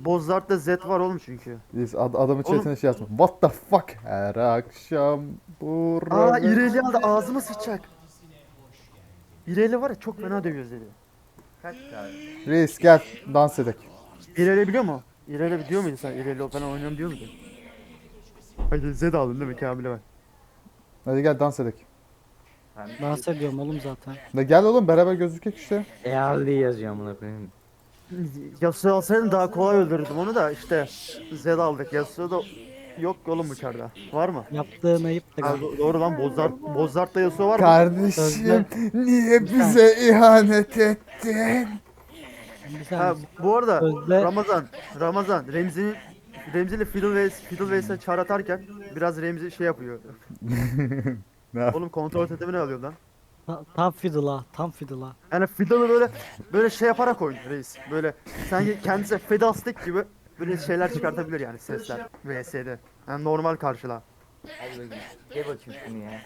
Bozlart'ta Z var oğlum çünkü. Biz adamın Oğlum- chatine şey yazma. What the fuck? Her akşam burada. İreli aldı ağzıma sıçacak. İreli var ya çok fena dövüyor Zed'i. Kaç tane? Reis gel dans edek. İreli biliyor mu? İreli biliyor muydun sen? İreli falan oynuyorum diyor muydun? Hadi Zed aldın değil mi Kamil'e bak. Hadi gel dans edek. Dans ediyorum oğlum zaten. Ne gel oğlum beraber gözükek işte. Early yazıyor amına koyayım. Yasuo alsaydın daha kolay öldürürdüm onu da işte Zed aldık. Yasuo da yok oğlum uçarda. Var mı? Yaptığın ayıp da Ha, galiba. doğru lan Bozlart'ta Yasuo var mı? Kardeşim niye bize ihanet ettin? Bir Ha, saniye. bu arada Sözde- Ramazan Remzi'yle Fiddle çağır atarken biraz Remzi şey yapıyor. Ne yap- Oğlum kontrol totemini alıyor lan. Tam fiddle'a, tam fiddle'a. Yani Fiddle'ı böyle şey yaparak oynuyor reis. Böyle sanki kendisi Fiddlestick gibi böyle şeyler çıkartabilir yani sesler VS'de. Yani normal karşıla. Hadi bakayım. Gel bakayım şunu ya.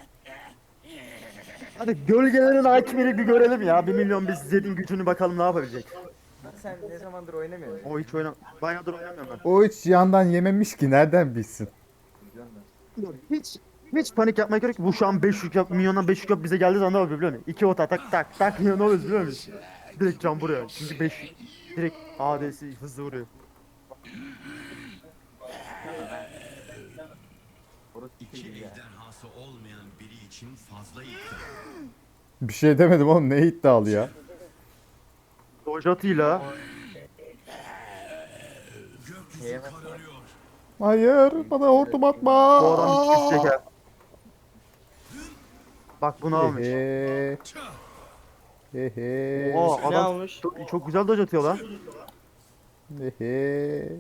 Hadi gölgelerin hakimini bir görelim ya. 1 milyon biz Zed'in gücünü bakalım ne yapabilecek. Sen ne zamandır oynamıyorsun? O hiç bayağıdır oynamıyorum O hiç yandan yememiş ki nereden bilsin? ben. Hiç panik yapmaya gerek yok. Bu şu an 5 yük yap, milyondan 5 yük yap bize geldiği zaman ne oluyor biliyor musun? 2 ota tak tak tak ne oluyor biliyor musun? Direkt can buraya. Çünkü 5 direkt AD'si hızlı vuruyor. Orası İki değil ya. ejderhası olmayan biri için fazla iddia. Bir şey demedim oğlum ne iddialı ya. Dojatıyla Şeye bak. Hayır bana hortum atma. bu adam hiç çeker. Bak bunu almış. Hehe. Hehe. Oo, Ne adam almış? çok güzel doj atıyor lan. Hehe.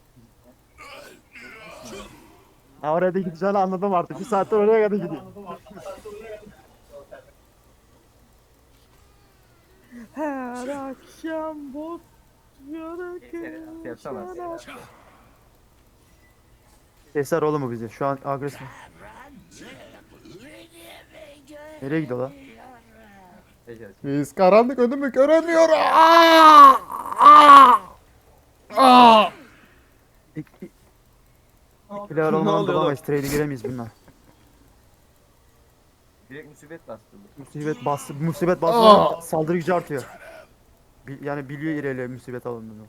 Ha, oraya da gideceğini anladım artık. Bir saattir oraya kadar gidiyor. Her akşam bot Yapsana. Keser oğlum bu bizi. Şu an agresif. Nereye gidiyor lan? Ejder. Biz karanlık önümü göremiyorum. Aa! Aa! Aa! İkiler olmadan dolamayız. Trade'e giremeyiz bunlar. Direkt musibet bastı bu. Musibet bastı. Aa! Saldırı gücü artıyor. Yani biliyor İreli musibet alındığını.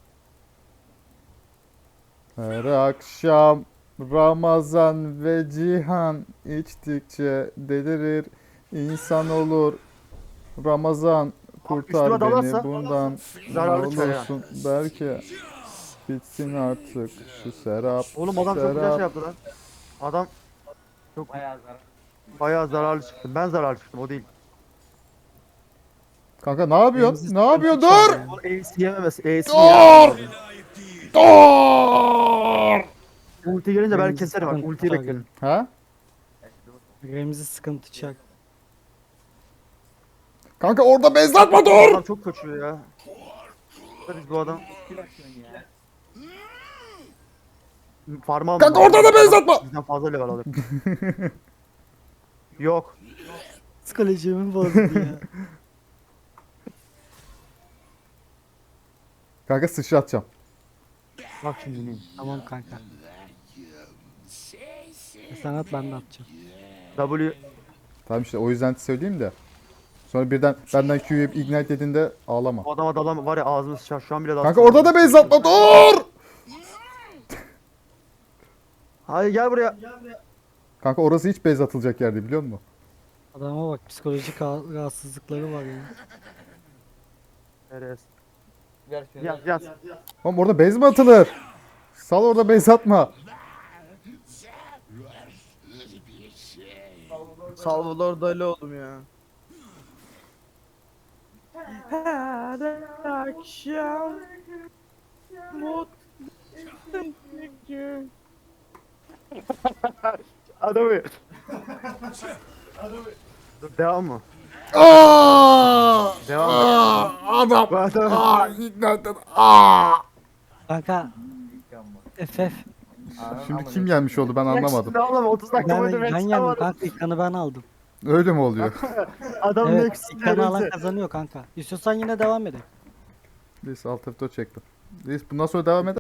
Her akşam Ramazan ve Cihan içtikçe delirir insan olur. Ramazan kurtar üstüme dalarsa beni bundan ne zararlı çıkar ya. olursun belki bitsin artık şu serap. Oğlum adam çok güzel serap. şey yaptı lan. Adam Bayağı zarar. bayağı zararlı çıktı. Ben zararlı çıktım o değil. Kanka ne yapıyorsun? Remzi Ne yapıyorsun? sıkıntı Dur! çıkardı Ace yememesi. Ace Dur! Dur! Ulti gelince belki Remzi keserim bak. sıkıntı Ultiyi çıkardı. bekleyin. Ha? ya. Remzi sıkıntı çak. Kanka orada bezlatma Bu dur! adam çok kaçıyor ya. Biz bu adam Kim atıyorsun ya? farm almadı. Kanka orada da bezlatma! Bizden fazla level alır. Yok. Psikolojimi bozdu ya. Kanka sıçratacağım. Bak şimdi neyim. Tamam kanka. Sen at ben de atacağım. W Tamam işte o yüzden söyleyeyim de. Sonra birden benden Q'yu ignite dediğinde ağlama. o adama dalam var ya ağzımı sıçar şu an bile Kanka orada da bezlatma dur! Hayır gel buraya. Kanka orası hiç bez atılacak yer değil biliyor musun? Adama bak psikolojik rahatsızlıkları var ya. Eres. Ver şunu. Yaz. Oğlum orada bez mi atılır? Sal orada bez atma. Salvador Dali oğlum ya. Her akşam mutlu gün. Adamı. Dur devam mı? Aa! Devam mı? Adam. Bu adam. Ignite. Aa! Kanka FF. Şimdi kim gelmiş oldu ben anlamadım. Ne oğlum 30 dakika Ben, boyunca ben ben yendim çıkamadım. kanka ilkanı ben aldım. Öyle mi oluyor? Adam Evet next ilkanı alan neresi? kazanıyor kanka. İstiyorsan yine devam edelim. Neyse alt F4 çektim. Neyse bundan sonra devam eder.